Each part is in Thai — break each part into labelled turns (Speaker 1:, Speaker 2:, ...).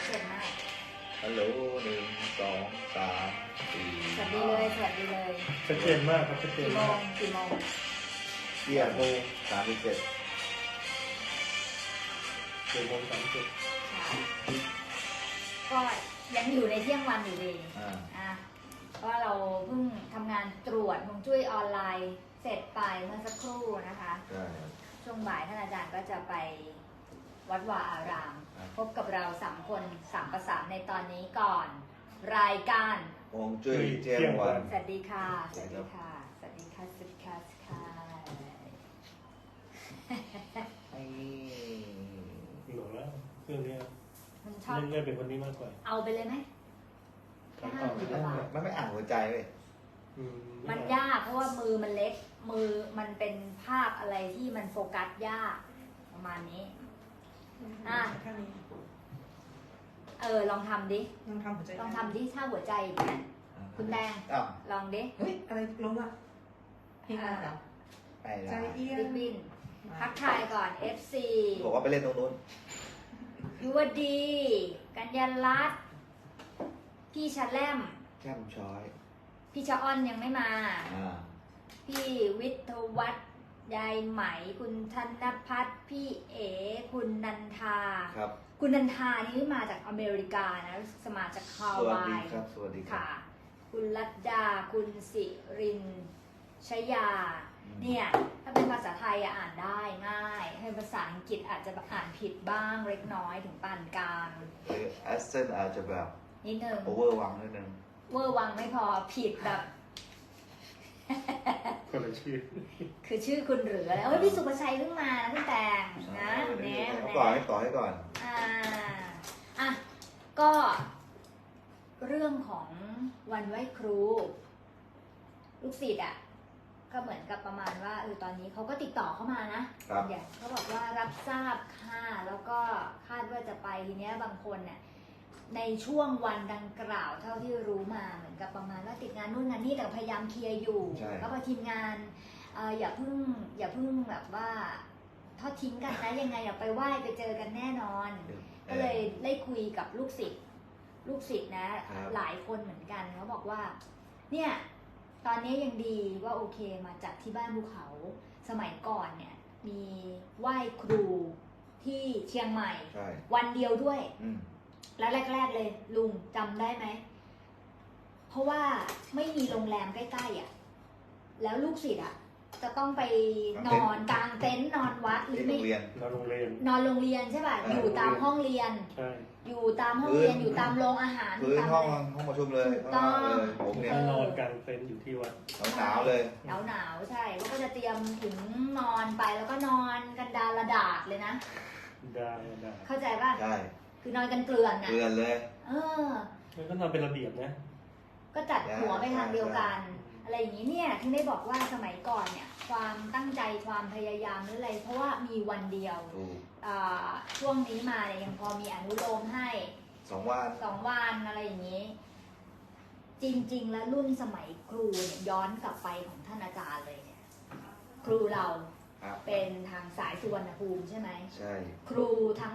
Speaker 1: เก่งมาก
Speaker 2: ฮัลโหล1 2 3 4
Speaker 1: สวัสดีเลยสวัสดีเลย
Speaker 3: ชัดเจนมากครับชัดเจนมาก
Speaker 1: กี่โมง
Speaker 2: เที่ยง37
Speaker 3: 7:37
Speaker 1: ก็ยังอยู่ในเที่ยงวันอยู่ดีก็เราเพิ่งทำงานตรวจฮวงจุ้ยออนไลน์เสร็จไปเมื่อสักครู่นะคะช่วงบ่ายท่านอาจารย์ก็จะไปวัดวาอารามพบกับเรา3 คน3 ประสานในตอนนี้ก่อนรายการ
Speaker 2: ฮวงจุ้ยเที่ยงวัน
Speaker 1: สวัสดีค่ะสวัสดีค่ะสวัสดีค่ะสวัสดีค่ะ
Speaker 2: ไอ้
Speaker 3: หลงแล้วเครื่องนี้
Speaker 1: มันชอบ
Speaker 3: เล่นเป็นคนนี้มากกว่า
Speaker 1: เอาไปเลยไหมแค่50 บาท
Speaker 2: มันไม่อ่านหัวใจเลย
Speaker 1: มันยากเพราะว่ามือมันเล็กมือมันเป็นภาพอะไรที่มันโฟกัสยากประมาณนี้ลองทำดิ
Speaker 4: ลองทำหัวใจ
Speaker 1: ลองทำดิถ้าหัวใจเนี่ยคุณแดงลองดิ
Speaker 4: เฮ้ยอะไรลงอะเพลงอะไรเหรอใจเอี้ย
Speaker 1: นบินทักทายก่อน FC
Speaker 2: บอกว่าไปเล่นตรงนู้น
Speaker 1: ยุวดีกัญญาลัตน์พี่ชะแลม
Speaker 2: แก้มช้อย
Speaker 1: พี่ชะอ้อนยังไม่มาพี่วิทยวัฒน์ยายไหมคุณธนพัฒน์พี่เอ๋คุณนันทา
Speaker 2: ครับ
Speaker 1: คุณนันทานี่มาจากอเมริกานะสมาจากฮาวาย
Speaker 2: สวัสดี
Speaker 1: ค่ะคุณรัตดาคุณสิรินชยาเนี่ยถ้าเป็นภาษาไทยอ่านได้ง่ายให้ภาษาอังกฤษอาจจะอ่านผิดบ้างเล็กน้อยถึงปานกลาง
Speaker 2: แอสเซนอาจจะแบบ
Speaker 1: นิดนึง
Speaker 2: โอเวอร์วังนิดนึง
Speaker 1: เวอร์วังไม่พอผิดแบบ
Speaker 3: คนละชื่อ
Speaker 1: คือชื่อคุณหรืออะไรพี่สุภชัยเพิ่งมานะพี่แตงนะ
Speaker 2: เนี่ยต่อให้ก่อน
Speaker 1: ก็เรื่องของวันไหว้ครูลูกศิษย์ก็เหมือนกับประมาณว่าตอนนี้เขาก็ติดต่อเข้ามานะเขาบอกว่ารับทราบค่ะแล้วก็คาดว่าจะไปทีเนี้ยบางคนเนี่ยในช่วงวันดังกล่าวเท่าที่รู้มาเหมือนกับประมาณว่าติดงานนู่นงานนี่แต่พยายามเคลียร์อยู่ก็พอทีมงานอย่าเพิ่งแบบว่าทอดทิ้งกันนะยังไงอย่าไปไหว้ไปเจอกันแน่นอนก็เลยได้คุยกับลูกศิษย์นะหลายคนเหมือนกันเขาบอกว่าเนี่ยตอนนี้ยังดีว่าโอเคมาจัดที่บ้านภูเขาสมัยก่อนเนี่ยมีไหว้ครูที่เชียงใหม่วันเดียวด้วยแล้วแรกๆเลยลุงจำได้ไหมเพราะว่าไม่มีโรงแรมใกล้ๆแล้วลูกศิษย์จะต้องไปนอนกลางเต็นท์นอนวัดหรือไม่
Speaker 3: นอนโรงเ
Speaker 1: รียนใช่ป่ะอยู่ตามห้องเรียนอยู่ตามห้องเรียนอยู่ตามโรงอาหาร
Speaker 2: พื้นห้องประชุมเลย
Speaker 3: ผมเนี่ยนอนกลางเต็นท์อยู่ที่วัด
Speaker 2: หนาวเลย
Speaker 1: หนาวใช่แล้วก็จะเตรียมถึงนอนไปแล้วก็นอนกันดาระดาษเลยนะเข้าใจป่ะ
Speaker 2: ใช่
Speaker 1: คือนอนกันเกลื่อน
Speaker 2: เลย
Speaker 1: ก็
Speaker 3: นอนเป็นระเบียบนะ
Speaker 1: ก็จัดหัวไปทางเดียวกันอะไรอย่างนี้เนี่ยที่ได้บอกว่าสมัยก่อนเนี่ยความตั้งใจความพยายามหรืออะไรเพราะว่ามีวันเดียวช่วงนี้มาเนี่ยยังพอมีอนุโลมให้2 วันอะไรอย่างนี้จริงๆแล้วรุ่นสมัยครูเนี่ยย้อนกลับไปของท่านอาจารย์เลยเนี่ยครูเราเป็นทางสายสุวรรณภูมิใช่ไหม
Speaker 2: ใช่
Speaker 1: ครูทั้ง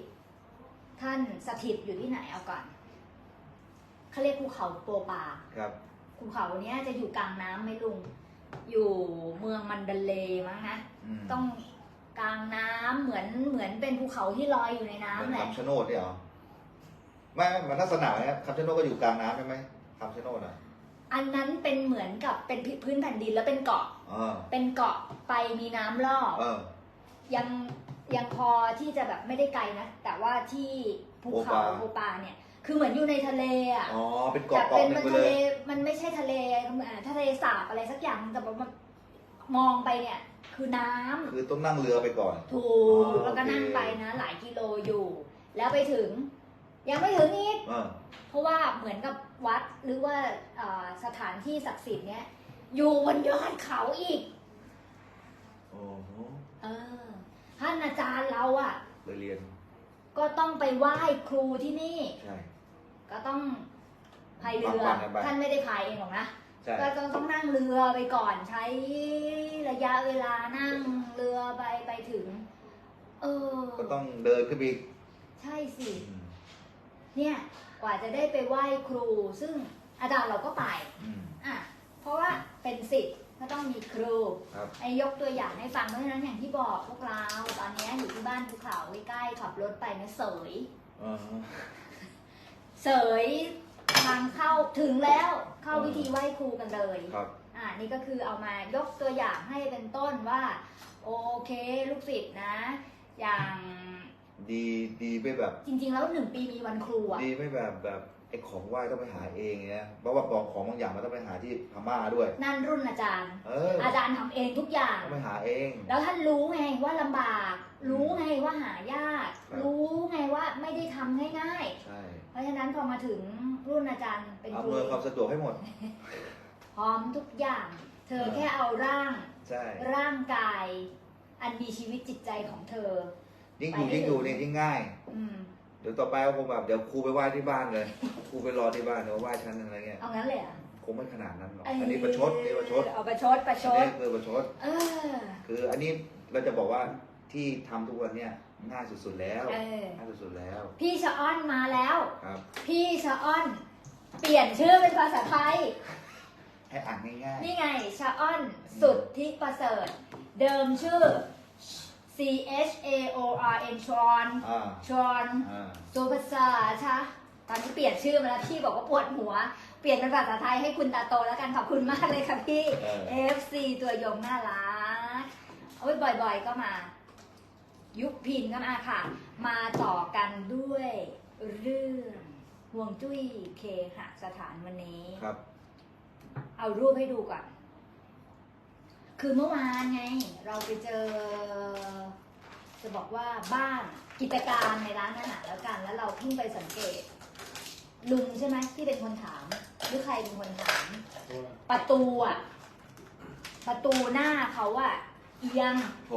Speaker 1: 10ท่านสถิตอยู่ที่ไหนเอาก่อนเขาเรียกภูเขาโปปา
Speaker 2: ครับ
Speaker 1: ภูเขาเนี้ยจะอยู่กลางน้ำไหมลุงอยู่เมืองมันดาเลมั้งนะต้องกลางน้ำเหมือนเป็นภูเขาที่ลอยอยู่ในน้ำแหละ
Speaker 2: คำชะโนดเนี่ยหรอไม่มันลักษณะไหมคำชะโนดก็อยู่กลางน้ำใช่ไหมคำชะโนด
Speaker 1: อันนั้นเป็นเหมือนกับเป็นพื้นแผ่นดินแล้วเป็นเกาะเป็นเกาะไปมีน้ำรอบยังพอที่จะแบบไม่ได้ไกลนะแต่ว่าที่ภูเขาโปปาเนี่ยคือเหมือนอยู่ในทะเล
Speaker 2: เป็นเกาะ
Speaker 1: เป็นทะเลมันไม่ใช่ทะเลทะเลสาบอะไรสักอย่างแต่ว่ามองไปเนี่ยคือน้ำ
Speaker 2: คือต้องนั่งเรือไปก่อน
Speaker 1: ถูกแล้วก็นั่งไปนะหลายกิโลอยู่แล้วไปถึงยังไม่ถึงอีกเพราะว่าเหมือนกับวัดหรือว่าสถานที่ศักดิ์สิทธิ์เนี่ยอยู่บนยอดเขาอีกท่านอาจารย์เรา
Speaker 2: เรียน
Speaker 1: ก็ต้องไปไหว้ครูที่นี่
Speaker 2: ใช่
Speaker 1: ก็ต้องพายเรือท่านไม่ได้พายเองหรอกนะก็ต้องนั่งเรือไปก่อนใช้ระยะเวลานั่งเรือไปถึง
Speaker 2: ก็ต้องเดินขึ้นไป
Speaker 1: ใช่สิเนี่ยกว่าจะได้ไปไหว้ครู ซึ่งอาจารย์เราก็ไป อ่ะเพราะว่าเป็นศิษย์ก็ต้องมีครู
Speaker 2: ครับ
Speaker 1: ไอ้ยกตัวอย่างให้ฟังเพราะฉะนั้นอย่างที่บอกพวกเราตอนนี้อยู่ที่บ้านภูเขาใกล้ๆขับรถไปนะเสย เสยทางเข้าถึงแล้วเข้าวิธีไหว้ครูกันเลย
Speaker 2: ครับ
Speaker 1: นี่ก็คือเอามายกตัวอย่างให้เป็นต้นว่า โอเคลูกศิษย์นะ อย่าง
Speaker 2: ดีไม่แบบ
Speaker 1: จริงๆแล้ว1 ปีมีวันครูอ่ะ
Speaker 2: ดีไม่แบบไอ้ของไหว้ต้องไปหาเองเนี่ยเพราะว่าของบางอย่างมันต้องไปหาที่พม่าด้วย
Speaker 1: นั่นรุ่นอาจารย์
Speaker 2: อา
Speaker 1: จารย์ทำเองทุกอย่าง
Speaker 2: ต้องไปหาเอง
Speaker 1: แล้วท่านรู้ไงว่าลำบาก รู้ไงว่าหายาก
Speaker 2: ครับ
Speaker 1: รู้ไงว่าไม่ได้ทำง่าย
Speaker 2: ใช่
Speaker 1: ๆ เพราะฉะนั้นพอมาถึงรุ่นอาจารย์เป็นค
Speaker 2: อำ
Speaker 1: รู
Speaker 2: นวยความสะดวกให้หมด
Speaker 1: พร้อมทุกอย่าง เธอแค่เอาร่าง
Speaker 2: ใช่
Speaker 1: ร่างกาย อันมีชีวิตจิตใจของเธอ
Speaker 2: ยิ่งอยู่เนี่ยยิ่งง่าย
Speaker 1: อืม
Speaker 2: เดี๋ยวต่อไปก็คงแบบเดี๋ยวครูไปไหว้ที่บ้านเลย ครูไปรอที่บ้านเดี๋ยวไหว้ฉันอะไรเงี้ย
Speaker 1: เอางั้นเลยเหรอ่ะ
Speaker 2: คงไม่ขนาดนั้นหรอก อันนี้ประชดนี่ประชด
Speaker 1: เอาประชด
Speaker 2: อันนี้คือประชด
Speaker 1: เออ
Speaker 2: คืออันนี้เราจะบอกว่าที่ทำทุกวันเนี่ยง่ายสุดๆแล้ว
Speaker 1: เออ
Speaker 2: ง่ายสุดๆแล้ว
Speaker 1: พี่ชะอ้อนมาแล้ว
Speaker 2: ครับ
Speaker 1: พี่ชะอ้อน เปลี่ยนชื่อเป็นภาษาไทย
Speaker 2: ให้อ่านง่าย
Speaker 1: นี่ไงชะอ้อนสุดที่ประเสริฐ เดิมชื่อ C H A O R N ชอน
Speaker 2: ๆ
Speaker 1: ชอน
Speaker 2: อ่า
Speaker 1: สุภาษาใช่ตอนนี้เปลี่ยนชื่อมาแล้วพี่บอกว่าปวดหัว เปลี่ยนเป็นภาษาไทยให้คุณตาโตแล้วกันขอบคุณมากเลยค่ะพี่ FC ตัวยงน่ารักโอ้ยบ่อยๆก็มา ยุคพินก็มาค่ะ มาต่อกันด้วยเรื่องห่วงจุ้ยเคหสถานวันนี้
Speaker 2: ครับ
Speaker 1: เอารูปให้ดูก่อน คือเมื่อวานไง เราไปเจอ จะบอกว่าบ้านกิจการในร้านอาหารแล้วกัน แล้วเราเพิ่งไปสังเกต ลุงใช่ไหมที่เป็นคนถาม หรือใครเป็นคนถาม ประตูอ่ะ ประตูหน้าเขาอ่ะ เอียง
Speaker 2: ผม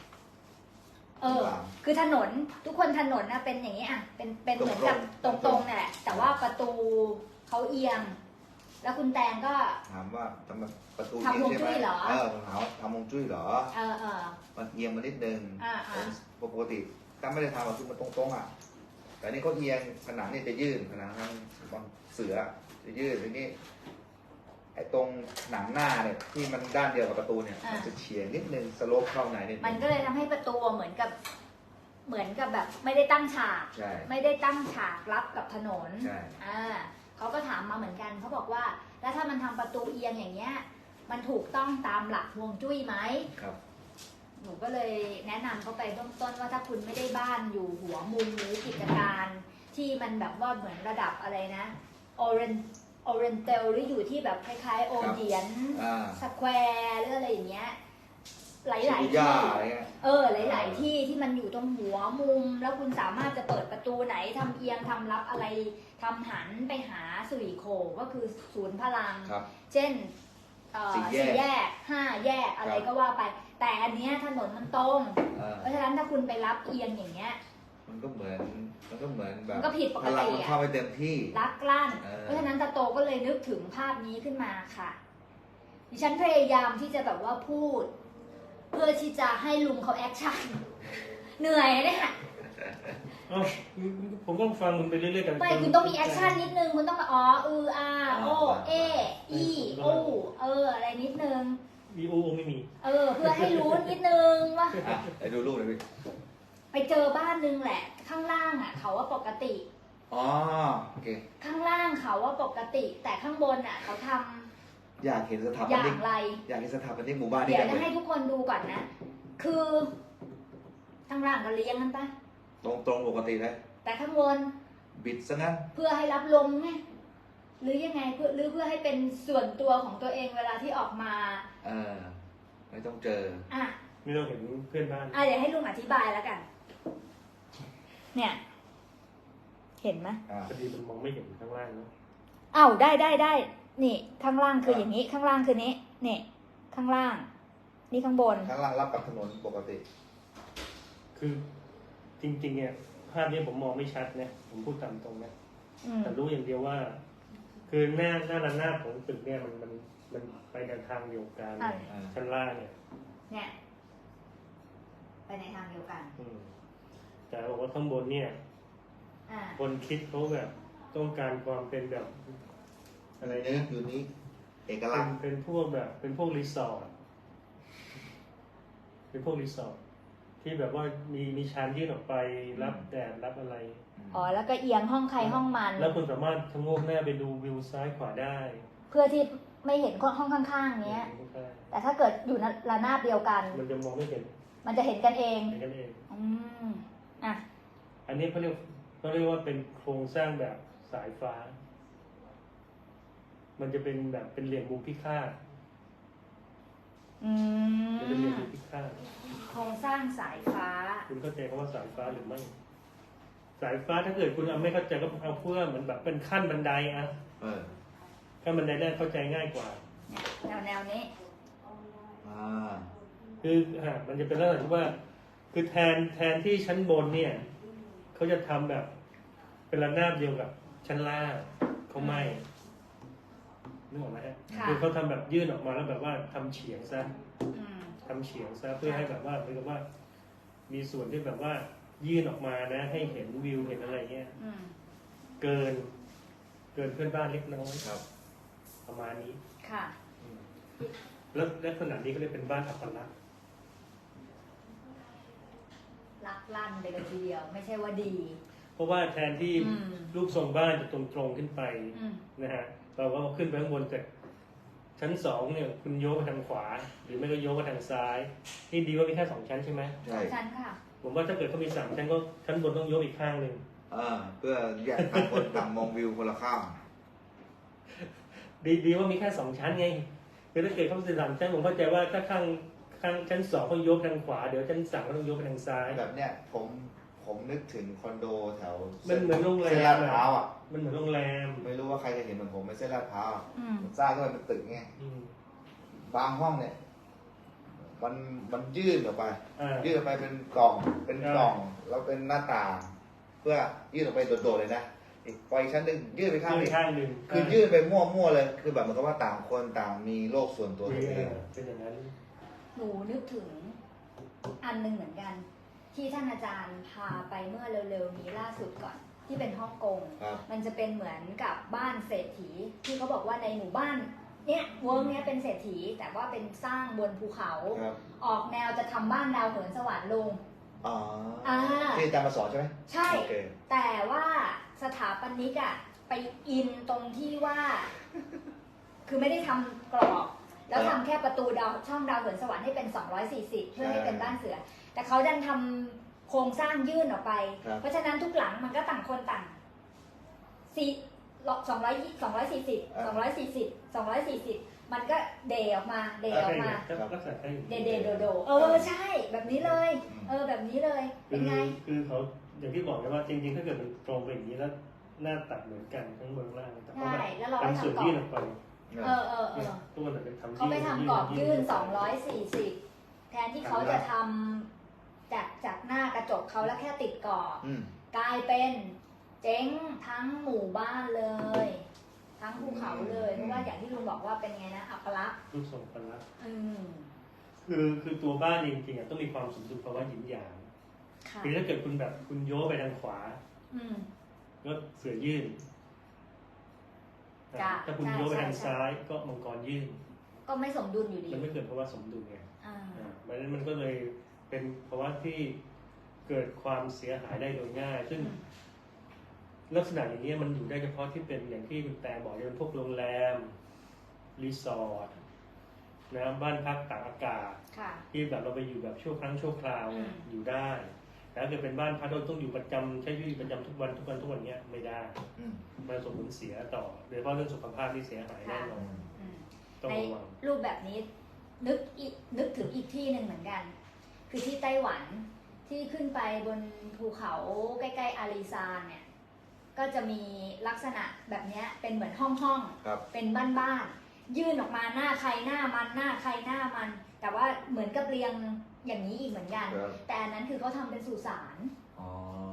Speaker 1: คือถนนทุกคนถนนนะเป็นอย่างนี้อ่ะ เป็นเหมือนกับตรงๆนี่แหละ แต่ว่าประตูเขาเอียง แล้วคุณแตงก็
Speaker 2: ถามว่าทำประตู
Speaker 1: ทำฮวงจุ้ยเหรอ
Speaker 2: ผมถามว่าทำฮวงจุ้ยเหรอ
Speaker 1: เออ
Speaker 2: มันเอียงมานิดนึง
Speaker 1: อ่า
Speaker 2: ปกติถ้าไม่ได้ทำคือมันตรงๆอ่ะ แต่นี่เขาเอียงผนังนี่จะยื่นผนังทางบางเสือจะยื่นทีนี้ไอ้ตรงหนังหน้าเนี่ยที่มันด้านเดียวกับประตูเนี่ยมันจะเฉียงนิดนึงสโลปเข้าในนิดนึง
Speaker 1: มันก็เลยทำให้ประตูเหมือนกับแบบไม่ได้ตั้งฉาก
Speaker 2: ใช่
Speaker 1: ไม่ได้ตั้งฉากรับกับถนน
Speaker 2: ใช่
Speaker 1: เขาก็ถามมาเหมือนกันเขาบอกว่า แล้วถ้ามันทำประตูเอียงอย่างเงี้ย มันถูกต้องตามหลักฮวงจุ้ยไหม
Speaker 2: ครับ
Speaker 1: หนูก็เลยแนะนำเขาไปเบื้องต้นว่าถ้าคุณไม่ได้บ้านอยู่หัวมุมหรือกิจการที่มันแบบว่าเหมือนระดับอะไรนะออเรนเตลหรืออยู่ที่แบบคล้ายๆโอเดียน สแควร์หรืออะไรอย่างเงี้ยหลายๆ
Speaker 2: ชิบู
Speaker 1: ที่
Speaker 2: ย่าอะไรเงี้ย
Speaker 1: หลาย ๆ ที่ที่มันอยู่ตรงหัวมุม แล้วคุณสามารถจะเปิดประตูไหนทำเอียงทำรับอะไรทำหันไปหาสุริโคก็คือศูนย์พลัง
Speaker 2: ครับ
Speaker 1: เช่น
Speaker 2: สี่แยก
Speaker 1: 4 แยก 5 แยกอะไรก็ว่าไป แต่อันเนี้ยถนนมันตรง เพราะฉะนั้นถ้าคุณไปรับเอียงอย่างเงี้ย
Speaker 2: มันก็เหมือนแบบ
Speaker 1: มันก็ผิดปกติ
Speaker 2: พลังมันเข้าไปเต็มที่
Speaker 1: ลักลั่น
Speaker 2: เออ
Speaker 1: เพราะฉะนั้นตาโตก็เลยนึกถึงภาพนี้ขึ้นมาค่ะ ดิฉันพยายามที่จะแบบว่าพูด เพื่อที่จะให้ลุงเขาแอคชั่น เหนื่อยนะเนี่ย
Speaker 3: เอ้าผมก็ฟังมึงไปเรื่อยๆกัน
Speaker 1: ไม่คุณต้องมีแอคชั่นนิดนึง คุณต้องมาอ๋อโอเออีโออะไรนิดนึง
Speaker 3: วีโอไม่มี
Speaker 1: เพื่อให้รู้นิดนึงว่า
Speaker 2: ไปดูรูปหน่อยพี่
Speaker 1: ไปเจอบ้านนึงแหละ ข้างล่างอ่ะ เขาว่าปกติ
Speaker 2: อ๋อโอเค
Speaker 1: ข้างล่างเขาว่าปกติ แต่ข้างบนอ่ะ เขาทำ
Speaker 2: อยากเห็นสถาป
Speaker 1: อย่า
Speaker 2: นิก
Speaker 1: งไร
Speaker 2: อยากเห็นสถาปนิกหมู่บ้านนี้
Speaker 1: เดี๋ยว
Speaker 2: จัง
Speaker 1: จะ
Speaker 2: เล
Speaker 1: ให้
Speaker 2: ย
Speaker 1: ทุกคนดูก่อนนะ คือข้างล่างก็เลี้ยงกันปะ
Speaker 2: ตรงปกติเลย
Speaker 1: แต่ข้างบน
Speaker 2: บิดซะงั้น
Speaker 1: เพื่อให้รับลมไงหรือยังไงเพื่อให้เป็นส่วนตัวของตัวเองเวลาที่ออกมา
Speaker 2: ไม่ต้องเจอ
Speaker 1: อ่ะ
Speaker 3: ไม่ต้องเห็นเพื่อนบ้าน
Speaker 1: เดี๋ยวให้ลุงอธิบายแล้วกัน เนี่ย เห็นไหม
Speaker 3: พอดีมันมองไม่เห็นข้างล่างเนาะ
Speaker 1: ได้นี่ ข้างล่างคืออย่างนี้ ข้างล่างคือนี้นี่ข้างล่าง นี่ข้างบน
Speaker 2: ข้างล่างรับกับถนนปกติ
Speaker 3: คือจริงๆเนี่ยภาพนี้ผมมองไม่ชัดนะผมพูดตามตรงนะ แต่รู้อย่างเดียวว่า คือหน้าระนาบของตึกเนี่ยมันไปในทางเดียวกัน ชั้นล่างเนี่ย
Speaker 1: เนี่ย ไปในทางเดียวกัน
Speaker 3: แต่บอกว่าข้างบนเนี่ย
Speaker 1: อ่า
Speaker 3: คนคิดเขาแบบต้องการความเป็นแบบอะไร
Speaker 2: นี้
Speaker 3: นะ
Speaker 2: อยู่นี้เอกลักษณ์
Speaker 3: เป็นพวกแบบเป็นพวกรีสอร์ทเป็นพวกรีสอร์ทที่แบบว่ามีชานยื่นออกไปรับแดดรับอะไร
Speaker 1: อ๋อแล้วก็เอียงห้องใครห้องมัน
Speaker 3: แล้วคุณสามารถชะโงกหน้าไปดูวิวซ้ายขวาได้
Speaker 1: เพื่อที่ไม่เห็นห้องข้างๆเนี้ย แต่ถ้าเกิดอยู่ระนาบเดียวกัน
Speaker 3: มันจะมองไม่เห็น
Speaker 1: มันจะเห็นกันเอง
Speaker 3: เห็นกันเอง
Speaker 1: อืมอ่ะ
Speaker 3: อันนี้เขาเรียกว่าเป็นโครงสร้างแบบสายฟ้า มันจะเป็นแบบเป็นเหลี่ยมมุมพิฆาต
Speaker 1: อืม
Speaker 3: จะเป็นเหลี่ยมมุมพิฆาต
Speaker 1: โครงสร้างสายฟ้า
Speaker 3: คุณเข้าใจคำว่าสายฟ้าหรือไม่ สายฟ้าถ้าเกิดคุณไม่เข้าใจก็เอาเพื่อเหมือนแบบเป็นขั้นบันไดอะ ขั้นบันไดน่าเข้าใจง่ายกว่า
Speaker 1: แนวนี้
Speaker 3: คือมันจะเป็นลักษณะที่ว่า คือแทนที่ชั้นบนเนี่ยเขาจะทำแบบเป็นระนาบเดียวกับชั้นล่างเขาไม่นึกออกไหมฮะ
Speaker 1: ค่ะ
Speaker 3: คือเขาทำแบบยื่นออกมาแล้วแบบว่าทำเฉียงซะ
Speaker 1: อืม
Speaker 3: ทำเฉียงซะเพื่อให้แบบว่าเหมือนกับว่า มีส่วนที่แบบว่ายื่นออกมานะ ให้เห็นวิวเห็นอะไรเงี้ย
Speaker 1: อืม
Speaker 3: เกินเพื่อนบ้านเล็กน้อย
Speaker 2: ครับ
Speaker 3: ประมาณนี้
Speaker 1: ค่ะ
Speaker 3: แล้วลักษณะนี้ก็เลยเป็นบ้านอัปลักษณ์
Speaker 1: ลักลั่นไปเลยทีเดียว ไม่ใช่ว่าดี
Speaker 3: เพราะว่าแทนที่
Speaker 1: อืม
Speaker 3: รูปทรงบ้านจะตรงๆขึ้นไป
Speaker 1: อืม
Speaker 3: นะฮะเราก็ขึ้นไปข้างบนจากชั้น2เนี่ยคุณโยกไปทางขวา หรือไม่ก็โยกไปทางซ้ายนี่ดีว่ามีแค่2ชั้นใช่ไหม
Speaker 2: ใช่
Speaker 1: ชั้นค่ะ
Speaker 3: ผมว่าถ้าเกิดเขามี3ชั้นก็ชั้นบนต้องโยกอีกข้างหนึ่ง
Speaker 2: เพื่อแยกต่างคนต่างมองวิวคนละข้าง
Speaker 3: ดีว่ามีแค่2ชั้นไงคือถ้าเกิดเขาเป็น3ชั้นผมเข้าใจว่าถ้าข้างชั้น2เขาโยกทางขวาเดี๋ยวชั้น3ก็ต้องโยกไปทางซ้าย
Speaker 2: แบบเนี้ยผมนึกถึงคอนโดแถว
Speaker 3: มันเหมือนโรงแร
Speaker 2: เส้น
Speaker 3: ม
Speaker 2: ลาดพร้าวอ่ะ
Speaker 3: มันเหมือนโรงแรม
Speaker 2: ไม่รู้ว่าใครจะเห็นเหมือนผมในเส้นลาดพร้าวอะ
Speaker 1: อืม
Speaker 2: มันสร้างขึ้นมาเป็นตึกไง
Speaker 3: อืม
Speaker 2: บางห้องเนี่ย มันยื่นออกไป
Speaker 3: อ่า
Speaker 2: ยื่นออกไปเป็นกล่องแล้วเป็นหน้าต่าง เพื่อยื่นออกไปโดดๆเลยนะอีกไปชั้นหนึ่งยื่นไปข้าง
Speaker 3: ขึ้
Speaker 2: นี้
Speaker 3: นข้างหนึ่ง
Speaker 2: คือยื่นไปมั่วๆเลย คือแบบเหมือนกับว่าต่างคนต่างมีโลกส่วนตัวตัวเอง
Speaker 3: เป็นอย่างนั้น
Speaker 1: หนูนึกถึงอันหนึงเหมือนกัน ที่ท่านอาจารย์พาไปเมื่อเร็วๆนี้ล่าสุดก่อน ที่เป็นฮ่องกง
Speaker 2: ครับ
Speaker 1: มันจะเป็นเหมือนกับบ้านเศรษฐี ที่เขาบอกว่าในหมู่บ้านเนี่ยเวิร์กเนี้ยเป็นเศรษฐี แต่ว่าเป็นสร้างบนภูเขา
Speaker 2: ครับ
Speaker 1: ออกแนวจะทำบ้านดาวเหินสวรรค์ลง
Speaker 2: อ๋อ
Speaker 1: อ่า
Speaker 2: ที่อาจารย์มาสอนใช่ไหม
Speaker 1: ใช่
Speaker 2: โอเค
Speaker 1: แต่ว่าสถาปนิกอะไปอินตรงที่ว่า คือไม่ได้ทำกรอบ แล้วทำแค่ประตูช่องดาวเหินสวรรค์ให้เป็น 240 เพื่อให้เป็นบ้านเสือ แต่เขาดันทำโครงสร้างยื่นออกไป
Speaker 2: ครับ
Speaker 1: เพราะฉะนั้นทุกหลังมันก็ต่างคนต่าง240 มันก็เดออกมา เดออกมา
Speaker 3: ลักษณะใช่
Speaker 1: เดโด ใช่ แบบนี้เลย แบบนี้เลย เป็นไง
Speaker 3: คือเขาอย่างที่บอกนะว่าจริงๆ ถ้าเกิดมันตรงไปอย่างนี้แล้วหน้าตัดเหมือนกันทั้งบนล่างแต่เขา
Speaker 1: ใช่
Speaker 3: แบบ
Speaker 1: แล้วเราก็
Speaker 3: ทำส่วน
Speaker 1: ทำกรอ
Speaker 3: ยื่น
Speaker 1: บ
Speaker 3: ออกไป
Speaker 1: เ
Speaker 3: ตัวนั้นเป็นทำ
Speaker 1: เขาไปทำกรอบยื่น 240 แทนที่เขาจะทำจากหน้ากระจกเขาแล้วแค่ติดกรอบ กลายเป็นเจ๊งทั้งหมู่บ้านเลย ทั้งภูเขาเลยเพราะว่าอย่างที่ลุงบอกว่าเป็นไงนะอัปลักษณ์
Speaker 3: รูปทรงกันละ
Speaker 1: อืม
Speaker 3: คือตัวบ้านจริงๆต้องมีความสมดุลภาวะหยินหยาง
Speaker 1: ค่ะ
Speaker 3: คือถ้าเกิดคุณแบบคุณโยกไปทางขวา
Speaker 1: อืม
Speaker 3: ก็เสือยื่น
Speaker 1: จ้ะ
Speaker 3: ถ้าคุณ
Speaker 1: ใช่
Speaker 3: โยกไปทาง
Speaker 1: ใช่
Speaker 3: ซ้ายก็มังกรยื่น
Speaker 1: ก็ไม่สมดุลอยู่ดี
Speaker 3: มันไม่เกิดภาวะสมดุลไง
Speaker 1: อ่า
Speaker 3: เพราะฉะนั้นมันก็เลยเป็นภาวะที่เกิดความเสียหายได้โดยง่าย ซึ่งลักษณะอย่างนี้มันอยู่ได้เฉพาะที่เป็นอย่างที่คุณแต่บอกจะเป็นพวกโรงแรม รีสอร์ทนะบ้านพักตากอากาศ
Speaker 1: ค่ะ
Speaker 3: ที่แบบเราไปอยู่แบบชั่วครั้งชั่วคราว
Speaker 1: อืม
Speaker 3: อยู่ได้ แต่ถ้าเกิดเป็นบ้านพักเราต้องอยู่ประจำใช้ชีวิตประจำทุกวันเนี้ยไม่ได้ มันส่งผลเสียต่อโดยเฉพาะเรื่องสุขภาพที่เสียหายแน่นอน
Speaker 1: อืม
Speaker 3: ต้อง
Speaker 1: ใน
Speaker 3: ระวัง
Speaker 1: รูปแบบนี้นึกถึงอีกที่หนึ่งเหมือนกัน คือที่ไต้หวันที่ขึ้นไปบนภูเขาใกล้ๆอารีซานเนี่ย ก็จะมีลักษณะแบบเนี้ยเป็นเหมือนห้อง
Speaker 2: ครับ
Speaker 1: เป็นบ้านๆยื่นออกมาหน้าใครหน้ามันหน้าใครหน้ามัน แต่ว่าเหมือนกับเรียงอย่างนี้อีกเหมือนกัน
Speaker 2: ครับ
Speaker 1: แต่อันนั้นคือเขาทำเป็นสุสาน
Speaker 2: อ๋อ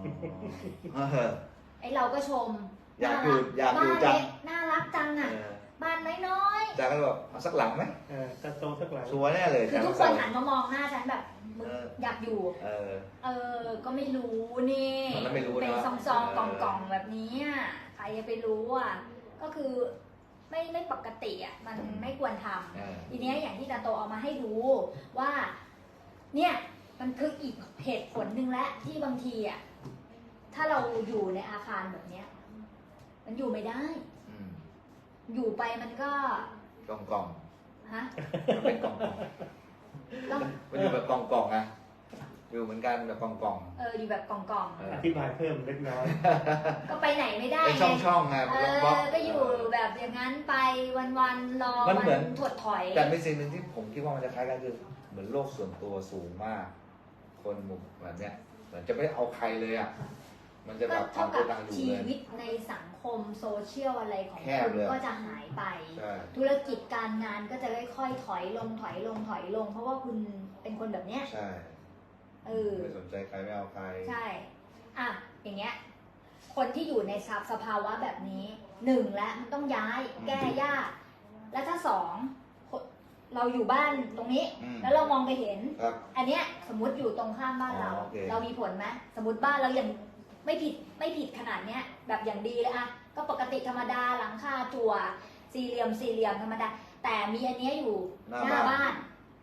Speaker 1: ไอเราก็ชม
Speaker 2: อยากอยู่
Speaker 1: บ้าน
Speaker 2: จัง
Speaker 1: เล็กน่ารักจังอ่ะบ้านน้อย
Speaker 2: อาจารย์ก็บอกเอาสักหลังไหม
Speaker 3: ตาโตสักหลัง
Speaker 2: ชัวร์แน่เลย
Speaker 1: ๆคือทุกคนหันมามองหน้าฉันแบบมึง
Speaker 2: เออ
Speaker 1: อยากอยู่ ก็ไม่รู้นี่
Speaker 2: ตอนนั้นไม่รู้นะ
Speaker 1: เป็นซองๆกล่องๆแบบนี้อ่ะใครจะไปรู้อ่ะก็คือไม่ปกติอ่ะมันไม่ควรทำทีเนี้ยอย่างที่ตาโตเอามาให้ดูว่าเนี่ยมันคืออีกเหตุผลหนึ่งและที่บางทีอ่ะถ้าเราอยู่ในอาคารแบบเนี้ยมันอยู่ไม่ได้ อยู่ไปมันก็
Speaker 2: กล่อง
Speaker 1: ฮะ
Speaker 2: ๆมันเป็นกล่อง
Speaker 1: ก็
Speaker 2: ๆมันอยู่แบบกล่องๆนะอยู่เหมือนกันแบบกล่อง
Speaker 1: อยู่แบบกล่อง
Speaker 3: อธิบายเพิ่มเล็กน้อย
Speaker 1: ๆก็ไปไหนไม่ได้
Speaker 2: ๆเป็น
Speaker 1: ไง
Speaker 2: ช่องๆไงบล็อกๆ
Speaker 1: ก็อยู่แบบอย่างนั้นไปวันๆรอ
Speaker 2: มันเหมือน
Speaker 1: ถดถอย
Speaker 2: แต่เป็นสิ่งหนึ่งที่ผมคิดว่ามันจะคล้ายกันคือเหมือนโลกส่วนตัวสูงมาก คนหมู่แบบเนี้ยเหมือนจะไม่เอาใครเลยอ่ะมันจะแบ
Speaker 1: ก็
Speaker 2: บ
Speaker 1: เท่า
Speaker 2: ทำตั
Speaker 1: กั
Speaker 2: ว
Speaker 1: บ
Speaker 2: ต่างอยู่
Speaker 1: ชี
Speaker 2: เลย
Speaker 1: วิตในสังคมโซเชียลอะไรของ
Speaker 2: แค
Speaker 1: คุ
Speaker 2: บ
Speaker 1: ณ
Speaker 2: เลย
Speaker 1: ก็จะหายไป
Speaker 2: ใช่
Speaker 1: ธุรกิจการงานก็จะค่อยๆถอยลง เพราะว่าคุณเป็นคนแบบเนี้ย
Speaker 2: ใช่ ไม่สนใจใครไม่เอาใคร
Speaker 1: ใช่อ่ะอย่างเงี้ยคนที่อยู่ในสภาวะแบบนี้หนึ่งแล้วมันต้องย้ายแก้ยากและถ้าสองเราอยู่บ้านตรงนี้ แล้วเรามองไปเห็น
Speaker 2: ครับ
Speaker 1: อันเนี้ยสมมติอยู่ตรงข้ามบ้านเรา
Speaker 2: โอเค
Speaker 1: เรามีผลไหมสมมติบ้านเรายังไม่ผิดขนาดเนี้ยแบบอย่างดีเลยอะก็ปกติธรรมดาหลังคาจั่วสี่เหลี่ยมธรรมดาแต่มีอันเนี้ยอยู่หน้าบ้าน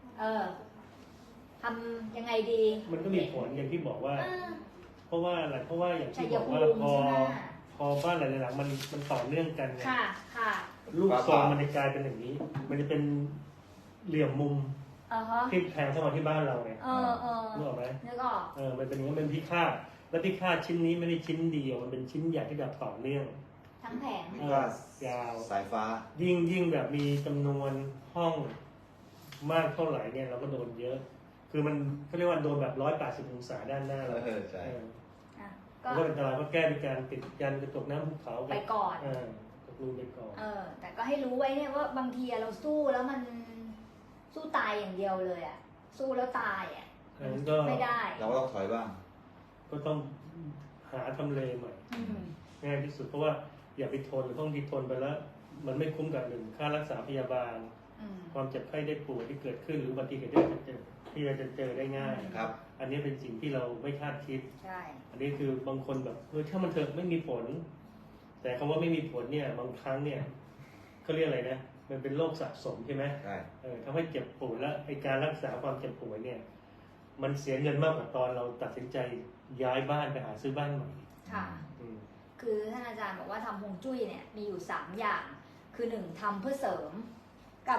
Speaker 1: ทำยังไงดี
Speaker 3: มันก็มีผลอย่างที่บอกว่า เพราะว่าอะไรเพราะว่าอย่างที่
Speaker 1: ชั
Speaker 3: บ
Speaker 1: ย
Speaker 3: อก
Speaker 1: ภู
Speaker 3: ว่า
Speaker 1: มิใช่ไหม
Speaker 3: พอบ้านหลายๆหลังมันต่อเนื่องกันไง
Speaker 1: ค่ะ
Speaker 3: ลูกทรงมันจะกลายเป็นอย่างนี้ มันจะเป็นเหลี่ยมมุม
Speaker 1: ฮะ
Speaker 3: ที่แทงเข้ามาที่บ้านเราไงนึกออกไหม
Speaker 1: นึกออก
Speaker 3: มันเป็นอย่างนี้มันพิฆาตและพิฆาตชิ้นนี้ไม่ได้ชิ้นเดียวมันเป็นชิ้นใหญ่ที่แบบต่อเนื่อง
Speaker 1: ทั้งแผง
Speaker 2: มีก็
Speaker 3: ยาว
Speaker 2: สายฟ้า
Speaker 3: ยิ่งแบบมีจำนวนห้องมากเท่าไหร่เนี่ยเราก็โดนเยอะ คือมันเขาเรียกว่าโดนแบบ180 องศาด้านหน้าเรา
Speaker 2: ใช่
Speaker 1: ก็
Speaker 3: ก็เป็นตลาดก็แก้ด้วยการติดยันกระจกน้ำภูเขา
Speaker 1: ไปก่อน
Speaker 3: ตกลูไปก่อน
Speaker 1: แต่ก็ให้รู้ไว้เนี่ยว่าบางทีเราสู้แล้วมันสู้ตายอย่างเดียวเลยอ่ะสู้แล้วตายอ่ะ
Speaker 3: นั้นก็
Speaker 1: ไม่ได้
Speaker 2: เราก็ต้องถอยบ้าง
Speaker 3: ก็ต้องหาทำเลใหม่ง่ายที่สุดเพราะว่าอย่าไปทนห้องที่ทนไปแล้ว มันไม่คุ้มกับหนึ่งค่ารักษาพยาบาล ความเจ็บไข้ได้ป่วยที่เกิดขึ้นหรืออุบัติเหตุที่เราจะเจอได้ง่าย
Speaker 2: ครับ
Speaker 3: อันนี้เป็นสิ่งที่เราไม่คาดคิด
Speaker 1: ใช่
Speaker 3: อันนี้คือบางคนแบบถ้ามันเถอะไม่มีผล แต่คำว่าไม่มีผลเนี่ยบางครั้งเนี่ยเขาเรียกอะไรนะมันเป็นโรคสะสมใช่ไหม
Speaker 2: ใช่
Speaker 3: ทำให้เจ็บป่วยแล้วไอการรักษาความเจ็บป่วยเนี่ยมันเสียเงินมากกว่าตอนเราตัดสินใจย้ายบ้านไปหาซื้อบ้านใหม่
Speaker 1: ค่ะ คือท่านอาจารย์บอกว่าทำฮวงจุ้ยเนี่ยมีอยู่3อย่างคือ 1ทำเพื่อเสริมกับ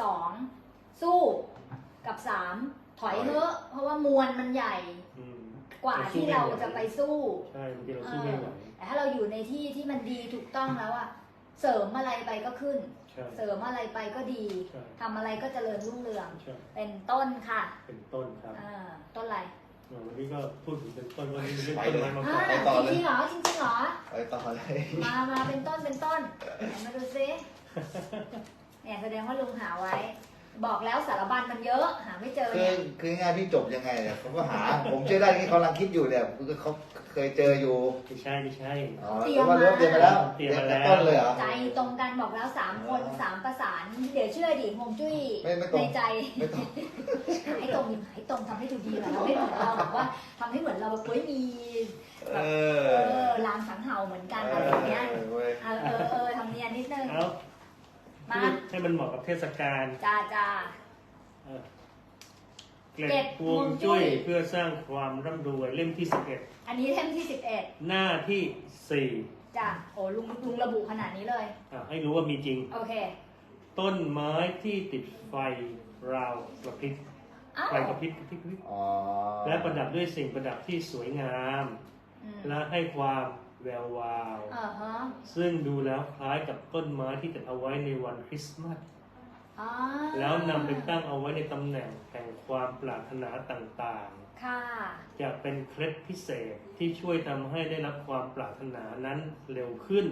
Speaker 1: 2สู้กับ3ถอยเถอะเพราะว่ามวลมันใหญ่กว่าที่เราจะไปสู้
Speaker 3: ใช่บางทีเราสู้ไม่ไหว
Speaker 1: แต่ถ้าเราอยู่ในที่ที่มันดีถูกต้องแล้วอะเสริมอะไรไปก็ขึ้น เสริมอะไรไปก็ดีทำอะไรก็เจริญรุ่งเรืองเป็นต้นค่ะ
Speaker 3: เป็นต้นครับ
Speaker 1: ต้นอะไร
Speaker 3: วันนี้ก็พูดถึงเป็นต้นวันนี้เรื่อง
Speaker 2: ไป
Speaker 3: ต้น
Speaker 2: เลย
Speaker 3: ไม้มา
Speaker 1: จ
Speaker 3: ฝาก
Speaker 1: ริงเหรอจริงเหรอ
Speaker 2: ไปต่อเลย
Speaker 1: มาเป็นต้นไหนมาดูซิเนี่ยแสดงว่าลุงหาไว้ บอกแล้วสารบัญมันเยอะหาไม่เจอเนี่ย
Speaker 2: คือง่ายพี่จบยังไงเนี่ยผมก็หา ผมเชื่อได้ที่เขากำลังคิดอยู่เนี่ยคือเขาเคยเจออยู่
Speaker 3: ไม่ใช่
Speaker 2: อ๋อแล้วว่าเริ่มเตรียมมาแล้ว
Speaker 3: เตรียมมาแล้ว
Speaker 2: ต้นเลยเหรอ
Speaker 1: ใจตรงกันบอกแล้ว3คน3ประสานเดี๋ยวเชื่อดิฮวงจุ้ย
Speaker 2: ไม่ตรง
Speaker 1: ในใจ
Speaker 2: ไม่ต้อง
Speaker 1: ให้ตรงทำให้ดูดีหน่อยเราไม่เหมือนเราแบบว่าทำให้เหมือนเราแบบเฮ้ยมีแบบลางสังเห่าเหมือนกันอะไรอย่างเงี้ยทำเนียนนิดนึง
Speaker 3: เอา
Speaker 1: มา
Speaker 3: ให้มันเหมาะกับเทศกาล
Speaker 1: จ้า
Speaker 3: เกล็ดฮวงจุ้ยเพื่อสร้างความร่ำรวยเล่มที่
Speaker 1: อันนี้เล่มที่
Speaker 3: 11 หน้าที่
Speaker 1: 11จ้ะโอ้ลุงระบุขนาดนี้เลย
Speaker 3: 4ให้รู้ว่ามีจริง
Speaker 1: โอเค
Speaker 3: ต้นไม้ที่ติดไฟราวกระพริบ
Speaker 1: อ้าว
Speaker 3: ไฟกระพริบ
Speaker 2: อ๋อ
Speaker 3: และประดับด้วยสิ่งประดับที่สวยงาม และให้ความแวววาว
Speaker 1: ฮะ
Speaker 3: ซึ่งดูแล้วคล้ายกับต้นไม้ที่ติดเอาไว้ในวันคริสต์มาส แล้วนำไปตั้งเอาไว้ในตำแหน่งแห่งความปรารถนาต่างๆ
Speaker 1: ค่ะ
Speaker 3: จะเป็นเคล็ดพิเศษที่ช่วยทำให้ได้รับความปรารถนานั้นเร็วขึ้น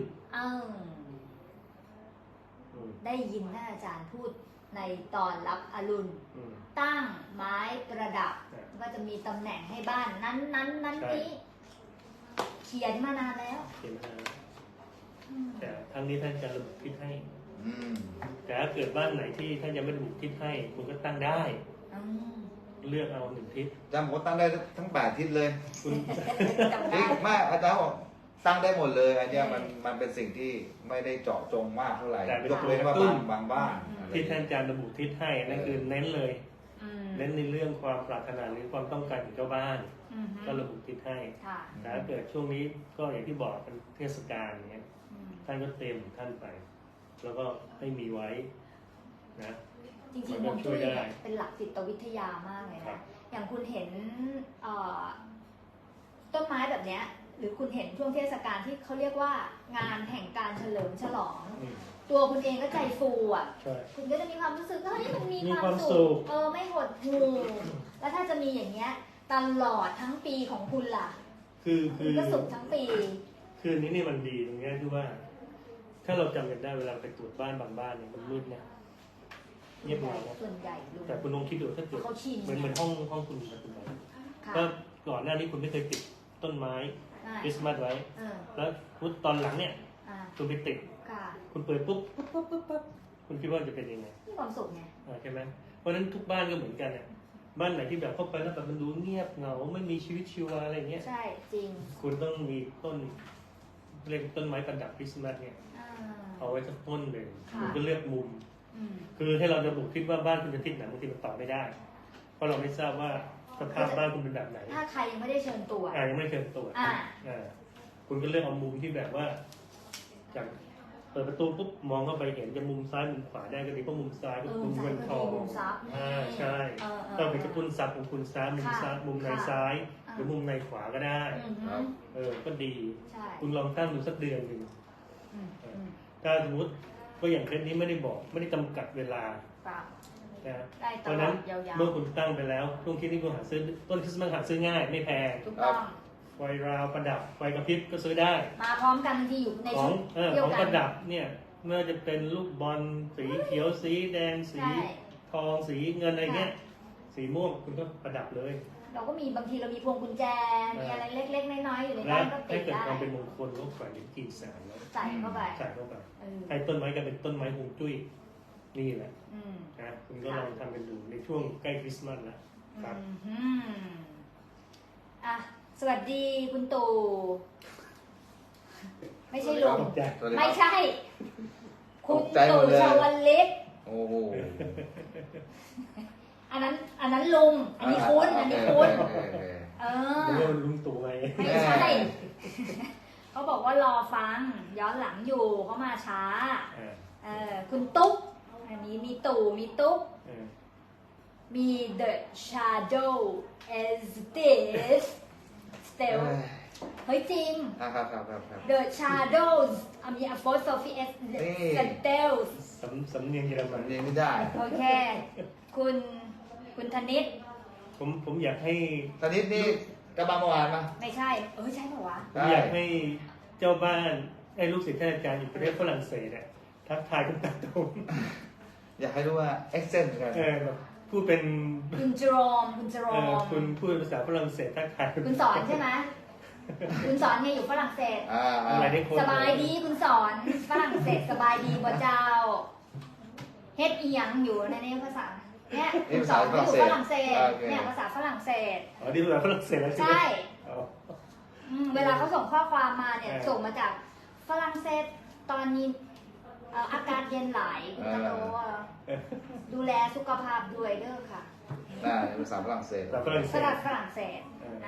Speaker 1: ได้ยินท่านอาจารย์พูดในตอนรับอรุณตั้งไม้ประดับก็จะมีตำแหน่งให้บ้านนั้นนี้เขียนมานานแล้ว
Speaker 3: เขียนมาแต่ครั้งนี้ท่านจะระบุพิษให้
Speaker 2: อืม
Speaker 3: แต่ถ้าเกิดบ้านไหนที่ท่านยังไม่ระบุทิศให้คุณก็ตั้งได้
Speaker 1: อืม
Speaker 3: เลือกเอา1 ทิศ
Speaker 2: อาจารย์บอกว่าตั้งได้ทั้ง8ทิศเลย
Speaker 3: คุณ
Speaker 1: จำ
Speaker 2: จริ
Speaker 1: ได้
Speaker 2: งไม่อาจารย์บอกตั้งได้หมดเลยอันเนี้ยมันเป็นสิ่งที่ไม่ได้เจาะจงมากเท่าไหร่ยกเว้นว่าบางบ้านอะไร
Speaker 3: ที่ท่านอาจารย์ระบุทิศให้นั่นคือเน้นเลย
Speaker 1: อืม
Speaker 3: เน้นในเรื่องความปรารถนาหรือความต้องการของเจ้าบ้าน
Speaker 1: อืม
Speaker 3: ก็ระบุทิศให้
Speaker 1: ค่ะ
Speaker 3: แต่ถ้าเกิดช่วงนี้ก็อย่างที่บอกเป็นเทศกาลเนี้ย
Speaker 1: อืม
Speaker 3: ท่านก็เต็มของท่านไป แล้วก็ให้มีไว้นะ
Speaker 1: จริงๆฮวงจุ้ยเนี่ยเป็นหลักจิตวิทยามากเลย
Speaker 3: ครั
Speaker 1: นะ
Speaker 3: บ
Speaker 1: อย่างคุณเห็นต้นไม้แบบเนี้ย หรือคุณเห็นช่วงเทศกาลที่เขาเรียกว่างานแห่งการเฉลิมฉลอง
Speaker 3: อืม
Speaker 1: ตัวคุณเองก็ใจฟูอ่ะ
Speaker 3: ใช่
Speaker 1: คุณก็จะมีความรู้สึกว่าเฮ้ยมันมี
Speaker 3: มีความ ม
Speaker 1: คาวสุ
Speaker 3: สุ
Speaker 1: ข
Speaker 3: ข
Speaker 1: ไม่หดหู่แล้วถ้าจะมีอย่างเงี้ยตลอดทั้งปีของคุณล่ะ
Speaker 3: คือ
Speaker 1: คุณก็สุขทั้งปี
Speaker 3: คือนี้นี่มันดีตรงเนี้ยที่ว่า ถ้าเราจำกันได้เวลาไปตรวจบ้านบางบ้านเนี่ยมันมืดนะเงียบเหงานะ
Speaker 1: ส่วนใหญ่ลุง
Speaker 3: แต่คุณลองคิดดูถ้าเกิด
Speaker 1: เขาชิน
Speaker 3: เหมือนห้องคุณปัจจุบัน
Speaker 1: ค่ะ
Speaker 3: ก็ก่อนหน้านี้คุณไม่เคยติดต้นไม้
Speaker 1: ใช่
Speaker 3: คริสต์มาสไว้
Speaker 1: เออ
Speaker 3: แล้วตอนหลังเนี่ย
Speaker 1: อ่า
Speaker 3: คุณไปติด
Speaker 1: ค่ะ
Speaker 3: คุณเปิดปุ๊บคุณคิดว่าจะเป็นยังไง
Speaker 1: มีความสุขไง
Speaker 3: ใช่ไหมเพราะฉะนั้นทุกบ้านก็เหมือนกันเนี่ยบ้านไหนที่แบบเข้าไปแล้วแบบมันดูเงียบเหงาไม่มีชีวิตชีวาอะไรเงี้ย
Speaker 1: ใช่จริง
Speaker 3: คุณต้องมีต้นเรียกต้นไม้ประดับคริสต์มาสเนี่ย
Speaker 1: อ่า
Speaker 3: เอาไว้สักต้นหนึ่ง
Speaker 1: ค่ะ
Speaker 3: คุณก็เลือกมุม
Speaker 1: อืม
Speaker 3: คือให้เราจะบุกคิดว่าบ้านคุณเป็นทิศไหนบางทีมันตอบไม่ได้ เพราะเราไม่ทราบว่าสภาพบ้านคุณเป็นแบบไหน
Speaker 1: ถ้าใครยังไม่ได้เชิญตัว
Speaker 3: ยังไม่เคยตรวจ
Speaker 1: อ่า
Speaker 3: คุณก็เลือกเอามุมที่แบบว่าจากเปิดประตูปุ๊บมองเข้าไปเห็นจะมุมซ้ายมุมขวาได้ก็ดีเพราะมุมซ้ายก็มุมเงินทอง
Speaker 1: มุมซับ
Speaker 3: ใช่
Speaker 1: เ
Speaker 3: ก็เป็นกระตุ้นซับของคุณซ้ายมุมซ้ายมุมในซ้าย หรือมุมในขวาก็ได้
Speaker 1: อืมฮึ
Speaker 3: ก็ดี
Speaker 1: ใช่
Speaker 3: คุณลองตั้งดูสักเดือนหนึ่ง
Speaker 1: อืมอืม
Speaker 3: ถ้าสมมติก็อย่างเคสนี้ไม่ได้บอกไม่ได้จำกัดเวลา
Speaker 1: เปล่า
Speaker 3: นะ
Speaker 1: ได้
Speaker 3: เพ
Speaker 1: ต
Speaker 3: ราะ
Speaker 1: ล
Speaker 3: ฉะ
Speaker 1: อ
Speaker 3: นั้
Speaker 1: ด
Speaker 3: น
Speaker 1: ยาว
Speaker 3: เมื่อคุณตั้งไปแล้วช่วงที่นี่คุณหาซื้อต้นคริสต์มาสหาซื้อง่ายไม่แพง
Speaker 1: ๆถูกต้อง
Speaker 3: ไฟราวประดับไฟกระพริบก็ซื้อได้
Speaker 1: มาพร้อมกันบางทีอยู่ใน
Speaker 3: ขอ
Speaker 1: ชุ
Speaker 3: ง
Speaker 1: ดเดีย
Speaker 3: ข
Speaker 1: ว
Speaker 3: อง
Speaker 1: กั
Speaker 3: ป
Speaker 1: น
Speaker 3: ระดับเนี่ยเมื่อจะเป็นลูกบอลสีเขียวสีแดงสี
Speaker 1: ใช่
Speaker 3: ทองสีเงินอะไรเงี้ยสีม่วงคุณก็ประดับเลย
Speaker 1: เราก็มีบางทีเรามีพวงกุญแจ มีอะไรเล็กๆน้อยๆอยู่ใน
Speaker 3: และ
Speaker 1: บ้านก็ติ
Speaker 3: ให้
Speaker 1: ด
Speaker 3: เกิด
Speaker 1: ได้
Speaker 3: ความเป็นมงคลก็แขวนกิ่งแสนแล้ว
Speaker 1: ใส่เข้าไป
Speaker 3: ใส่เข้าไป
Speaker 1: เออ
Speaker 3: ให้ต้นไม้กลายเป็นต้นไม้ฮวงจุ้ยนี่แหละ
Speaker 1: อืม
Speaker 3: นะคุณก็ลองทำกันดูในช่วงใกล้คริสต์มาสแล้วครับ
Speaker 1: อืมอ่ะสวัสดีคุณตู่ไม่ใช่ลุง
Speaker 3: ตกใจ
Speaker 2: สวัสดี
Speaker 1: ไม่
Speaker 2: ครับ
Speaker 1: ใช่ คุณ
Speaker 2: ตกใจหม
Speaker 1: ตู่
Speaker 2: ดเลย
Speaker 1: ชวลิต
Speaker 2: โอ้โห
Speaker 1: อันนั้นลุง อันนี้คุณ อันนี้คุณ เออ
Speaker 3: เรื่องลุงตู่ไง
Speaker 1: ไม่ใช่ เขาบอกว่ารอฟัง ย้อนหลังอยู่เขามาช้า คุณตุ๊ก อันนี้มีตู่มีตุ๊ก มี the shadow as this still เฮ้ยจริง
Speaker 2: ครับ
Speaker 1: the shadows มี apostrophe s
Speaker 2: นี่
Speaker 1: still
Speaker 3: สำเนียงเยอรมั
Speaker 2: มัน นเรียนไม่ได้
Speaker 1: โอเค คุณธนิต
Speaker 3: ผมอยากให้
Speaker 2: ตอนนี้นี่กระบาเมื่อวานมา
Speaker 1: ไม่ใช่ ใช่เปล่าวะ
Speaker 3: ผมอยากให้เจ้าบ้านไอ้ลูกศิษย์ท่านอาจารย์อยู่ประเทศฝรั่งเศสเนี่ยทักทายคุณตาตรง
Speaker 2: อยากให้รู้ว่า accent กัน
Speaker 3: แบบพูดเป็น
Speaker 1: คุณจรอม คุณจรอม
Speaker 3: คุณพูดภาษาฝรั่งเศสทักทาย
Speaker 1: คุณสอนใช่ไหม คุณสอนไงอยู่ฝรั่งเศส
Speaker 3: อะไรได้คน
Speaker 1: สบายดีคุณสอนฝรั่งเศสสบายดีบ่เจ้าเฮ็ดอีหยังอยู่ในนี้ภาษาเนี่ยคุณสอนอยู่ฝรั่งเศสเนี่ยภาษาฝรั่งเศส
Speaker 3: อ๋อที่ภาษาฝรั่งเศสแล้วใช่ไหม
Speaker 1: ใช่
Speaker 3: อ๋อ
Speaker 1: เวลาเขาส่งข้อความมาเนี่ยส่งมาจากฝรั่งเศสตอนนี้อากาศเย็นหลายคุณตะโลดูแลสุขภาพด้วยเด้อค่ะ
Speaker 2: ได้ภาษาฝรั่งเศส
Speaker 3: ภาษาฝรั่งเศ
Speaker 1: ฝ
Speaker 3: ส
Speaker 1: รั่งเศส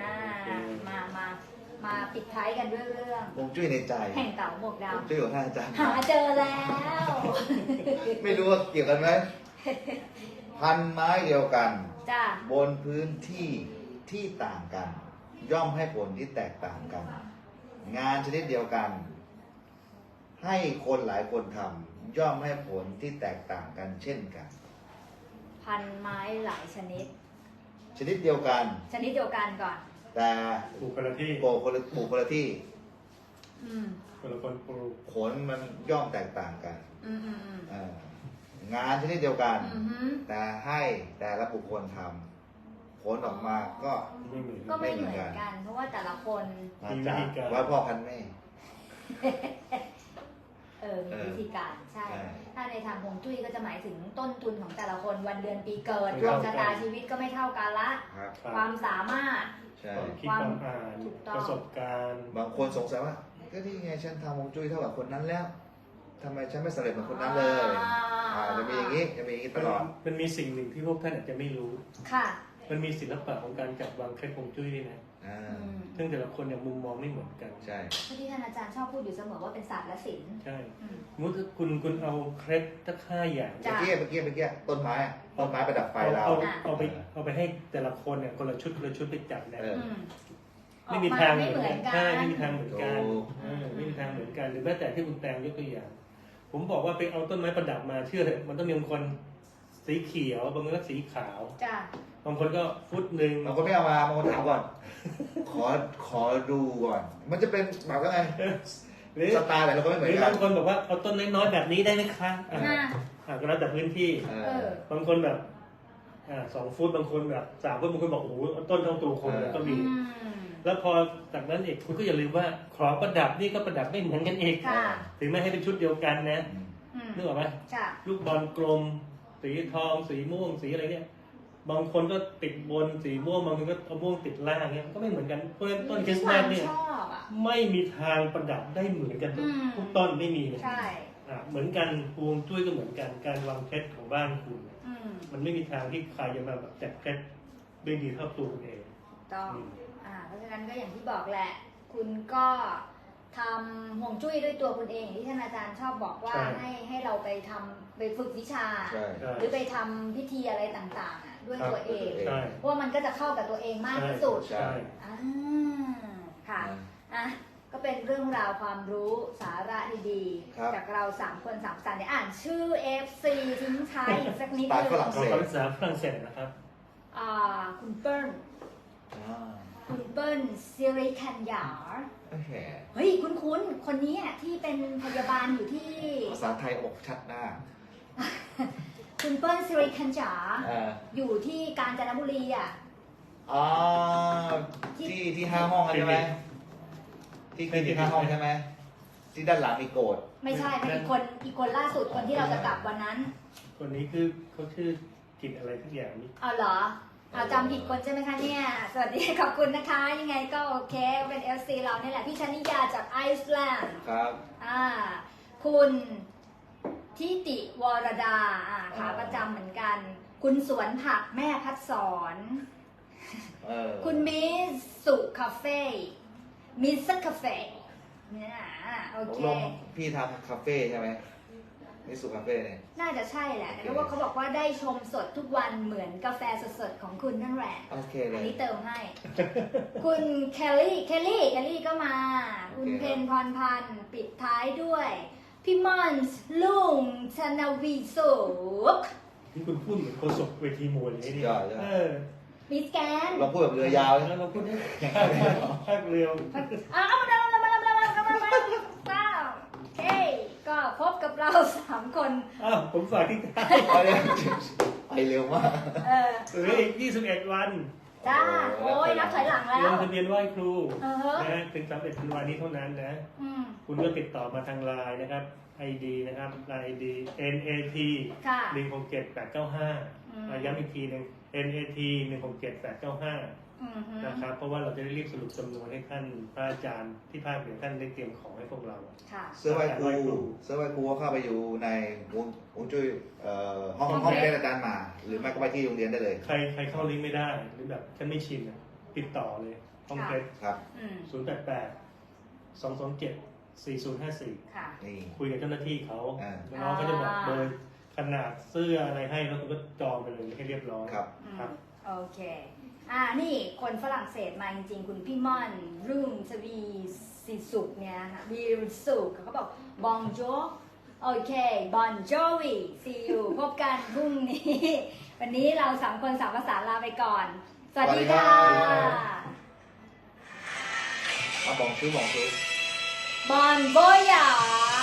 Speaker 1: มาปิดท้ายกันด้วยเรื่อง
Speaker 2: วงจุ้ยในใจ
Speaker 1: แห่งเก่าหมวกด
Speaker 2: วงจุ้ยของท่านอาจารย์
Speaker 1: ำหาเจอแล้ว
Speaker 2: ไม่รู้ว่าเกี่ยวกันไหมพันไม้เดียวกัน
Speaker 1: จ้า
Speaker 2: บนพื้นที่ที่ต่างกัน ย่อมให้ผลที่แตกต่างกัน งานชนิดเดียวกัน ให้คนหลายคนทำย่อมให้ผลที่แตกต่างกันเช่นกัน
Speaker 1: พันไม้หลายชนิด
Speaker 2: ชนิดเดียวกัน
Speaker 1: ชนิดเดียวกันก่อน
Speaker 2: แต่
Speaker 3: ปลูกคนละที่
Speaker 2: ปลูกคนละที่
Speaker 1: อืม
Speaker 3: คนละคนปลูก
Speaker 2: ผลมันย่อมแตกต่างกัน
Speaker 1: อืม
Speaker 2: งานชนิดเดียวกัน
Speaker 1: อืม
Speaker 2: แต่ให้แต่ละบุคคลทำผลออกมาก็
Speaker 3: ไม่เหมือน
Speaker 1: ก็ไม่เหมือนกัน เพราะว่าแต่ละคน
Speaker 2: มาจากว่าพ่อพันแม่
Speaker 1: มีวิธีการใช่
Speaker 2: ใช่
Speaker 1: ถ้าในทางฮวงจุ้ยก็จะหมายถึงต้นทุนของแต่ละคนวันเดือนปีเกิด
Speaker 3: ไม่
Speaker 1: ดวง
Speaker 3: เท่ากัน
Speaker 1: ชะตาชีวิตก็ไม่เท่ากันละ
Speaker 2: ครับ
Speaker 1: ความสามารถ
Speaker 2: ใช่
Speaker 3: ความคิดความอ่าน
Speaker 1: ถูกต้อง
Speaker 3: ประสบการณ์
Speaker 2: บางคนสงสัยว่าก็นี่ไงฉันทำฮวงจุ้ยเท่ากับคนนั้นแล้วทำไมฉันไม่สำเร็จเหมือนคนนั้นเลยจะมีอย่างนี้จะมีอย่างนี้ตลอด
Speaker 3: มันมีสิ่งหนึ่งที่พวกท่านอาจจะไม่รู้
Speaker 1: ค่ะ
Speaker 3: มันมีศิลปะของการจัดวางเคล็ดฮวงจุ้ยด้วยนะ
Speaker 2: อ่า
Speaker 3: ซึ่งแต่ละคนเนี่ยมุมมองไม่เหมือนกัน
Speaker 2: ใช่
Speaker 1: ที่ท่านอาจารย์ชอบพูดอยู่เสมอว่าเป็นศาสตร์และศิลป์
Speaker 3: ใช่
Speaker 1: อืม
Speaker 3: สมมติคุณเอาเคล็ดสัก5 อย่าง
Speaker 1: จ้ะ
Speaker 2: เมื่อกี้ต้นไม้ประดับไฟเรา
Speaker 3: เอาไปให้แต่ละคนเนี่ยคนละชุดไปจับนะ
Speaker 2: เออ
Speaker 1: อืม
Speaker 3: ไม่มีทาง
Speaker 1: ไม่เหมือนกัน
Speaker 3: ใช่ไม่มีทางเหมือนกัน
Speaker 2: ถูก
Speaker 3: ไม่มีทางเหมือนกันหรือแม้แต่ที่คุณแตงยกตัวอย่าง ผมบอกว่าไปเอาต้นไม้ประดับมาเชื่อเถอะมันต้องมีบางคนสีเขียวบางคนก็สีขาว
Speaker 1: จ้ะ
Speaker 3: บางคนก็ฟุตหนึ่ง
Speaker 2: บางคนไม่เอามาบางคนถามก่อน ขอดูก่อน มันจะเป็นแบบว่าไง
Speaker 3: หรือ
Speaker 2: สไตล์แต่ละคนไม่เหมือนกับ
Speaker 3: างคนบอกว่าเอาต้นน้อยๆแบบนี้ได้ไหมคะ
Speaker 1: น่า
Speaker 3: ก็แล้วแต่พื้นที่
Speaker 2: เอ
Speaker 1: เอ
Speaker 2: อ
Speaker 1: อ
Speaker 3: บางคนแบบ2 ฟุตบางคนแบบ3 ฟุตบางคนบอกโอ้โหต้นเท่าตัวคนเลยก็มี
Speaker 1: อืม
Speaker 3: แล้วพอจากนั้นอีกคุณก็อย่าลืมว่าของประดับนี่ก็ประดับไม่เหมือนกันอีก
Speaker 1: ค่ะ
Speaker 3: ถึงแม้ให้เป็นชุดเดียวกันนะ
Speaker 1: อืม
Speaker 3: นึกออกไหม
Speaker 1: จ้ะ
Speaker 3: ลูกบอลกลม สีทองสีม่วงสีอะไรเนี่ยบางคนก็ติดบนสีม่วงบางคนก็เอาม่วงติดล่างเนี่ยมันก็ไม่เหมือนกันเพราะฉะนั้นต้นคริสต์มาสเนี่ย
Speaker 1: ชอบอ่ะ
Speaker 3: ไม่มีทางประดับได้เหมือนกันทุก
Speaker 1: อืม
Speaker 3: ทุกต้นไม่มีเลย
Speaker 1: ใช่
Speaker 3: เหมือนกันฮวงจุ้ยก็เหมือนกันการวางเคล็ดของบ้านคุณ
Speaker 1: อืม
Speaker 3: มันไม่มีทางที่ใครจะมาแบบจัดเคล็ดได้ดีเท่าตัวคุณเอง
Speaker 1: ต้อง
Speaker 3: อืม
Speaker 1: เพราะฉะนั้นก็อย่างที่บอกแหละ คุณก็ทำห่วงจุ้ยด้วยตัวคุณเองอย่างที่ท่านอาจารย์ชอบบอกว่าให้เราไปฝึกวิชา
Speaker 2: ใช่
Speaker 3: ใช่
Speaker 1: หรือไปทำพิธีอะไรต่างๆอ่ะด้วยตัวเอง
Speaker 3: ใช่
Speaker 1: เพราะว่ามันก็จะเข้ากับตัวเองมากที่สุด
Speaker 2: ใช่
Speaker 1: อ่าค่ะอ่ะก็เป็นเรื่องราวความรู้สาระดี
Speaker 2: ครับ
Speaker 1: ๆจากเรา3 คน3 สันเดี๋ยวอ่านชื่อ FC ทิ้งท้ายอีกสักนิด
Speaker 2: สไตล์
Speaker 1: นึ
Speaker 2: ฝรั่ง
Speaker 1: ง
Speaker 2: เศ
Speaker 3: เราภาษาฝรั่งเศสนะครับ
Speaker 1: คุณเปิ้ล
Speaker 2: อ่า
Speaker 1: คุณเปิ้ลซิริคันยาร์
Speaker 2: โอเค
Speaker 1: เฮ้ยคุ้นๆคนนี้อะที่เป็นพยาบาลอยู่ที่
Speaker 2: ภาษาไทยอกชัดหน้า
Speaker 1: คุณเปิ้ลซิริคันยาร์
Speaker 2: อ่า
Speaker 1: อยู่ที่กาญจนบุรีอ่ะ
Speaker 2: อ๋อที่5 ห้องใช่ไหมที่คลินิก5 ห้องใช่ไหมที่ด้านหลังมีโกด
Speaker 1: ไม่ใช่เป็นอีกคนล่าสุดคนที่เราจะกลับวันนั้น
Speaker 3: คนนี้คือเขาชื่อกินอะไรทุกอย่างนี่
Speaker 1: เอาเหรอเอาจำผิดคนใช่ไหมคะเนี่ย สวัสดีขอบคุณนะคะ ยังไงก็โอเคเป็น FC เราเนี่ยแหละพี่ชนิยาจากไอซ์แลนด์
Speaker 2: ครับ
Speaker 1: คุณทิติวรดาขาประจำเหมือนกัน คุณสวนผักแม่พัดสอน คุณมิสุคาเฟ่มิสคาเฟ่เนี่ยโอเค
Speaker 2: ลงพี่ทำคาเฟ่ใช่ไหมมิสุคาเฟ่เนี่ย
Speaker 1: น่าจะใช่แหละเพราะว่าเขาบอกว่าได้ชมสดทุกวันเหมือนกาแฟสดๆของคุณนั่นแหละ
Speaker 2: โอเคเล
Speaker 1: อัน
Speaker 2: ย
Speaker 1: นี้เติมให้ คุณเคลลี่ก็มา คุณ
Speaker 2: โอเค
Speaker 1: เพนพรพันธ์ปิดท้ายด้วย พี่มอนส์ลุงชนาวีสุก
Speaker 3: ที่คุณพูดเหมือนโฆษกเวทีมวยเลยนี่
Speaker 2: ยอด
Speaker 1: มิสแกน
Speaker 2: เราพูดแบบเรือยาวเลย
Speaker 3: แล้วเราพูดได้ภาคเรือ
Speaker 1: เอามาเฮ้ยก็พบกับเรา3 คน
Speaker 3: ผมฝากที่
Speaker 2: ไปเร็วมาก
Speaker 3: เหลืออีก21 วัน
Speaker 1: จ้า โอ้ยนับถอยหลังแล้
Speaker 3: ล
Speaker 1: ว
Speaker 3: งทะเบียนไหว้ครู
Speaker 1: อ
Speaker 3: นะถึง31 ธันวาคมนี้เท่านั้นนะ
Speaker 1: อืม
Speaker 3: คุณก็ติดต่อมาทางไลน์นะครับ ID นะครับ ID NAT
Speaker 1: ค่ะ
Speaker 3: 167895ย้ำอีกทีหนึง NAT 167895 นะครับ เพราะว่าเราจะได้รีบสรุปจำนวนให้ท่านพระอาจารย์ที่ภาคเหนือท่านได้เตรียมของให้พวกเรา
Speaker 1: ค่ะ
Speaker 2: เสื้อไหว้ครูก็เข้าไปอยู่ในวงจุ้ยห้องเรียนอาจารย์มา หรือไม่ก็ไปที่โรงเรียนได้เลย
Speaker 3: ใครเข้าลิงก์ไม่ได้ หรือแบบฉันไม่ชินอะติดต่อเลยห้องเคส
Speaker 2: ครับ
Speaker 1: อืม
Speaker 3: 088-227-4054
Speaker 1: ค่ะ
Speaker 2: นี่
Speaker 3: คุยกับเจ้าหน้าที่เขา
Speaker 2: อ่า
Speaker 3: น้องเขาจะบอกเบอร์ขนาดเสื้ออะไรให้แล้วคุณก็จองไปเลยให้เรียบร้อย
Speaker 2: ครับ
Speaker 3: ครับ
Speaker 1: โอเค นี่คนฝรั่งเศสมาจริงๆ คุณพี่ม่อนรุ่งทวีสิสุกเนี่ยค่ะวีสุกเขาบอกบองโจโอเคบอนโจวีซีอูพบกันพรุ่งนี้ วันนี้เรา3 คน3 ภาษาลาไปก่อน สวัสดีค่ะ
Speaker 2: มาบอกชื่อ
Speaker 1: บอนโบยา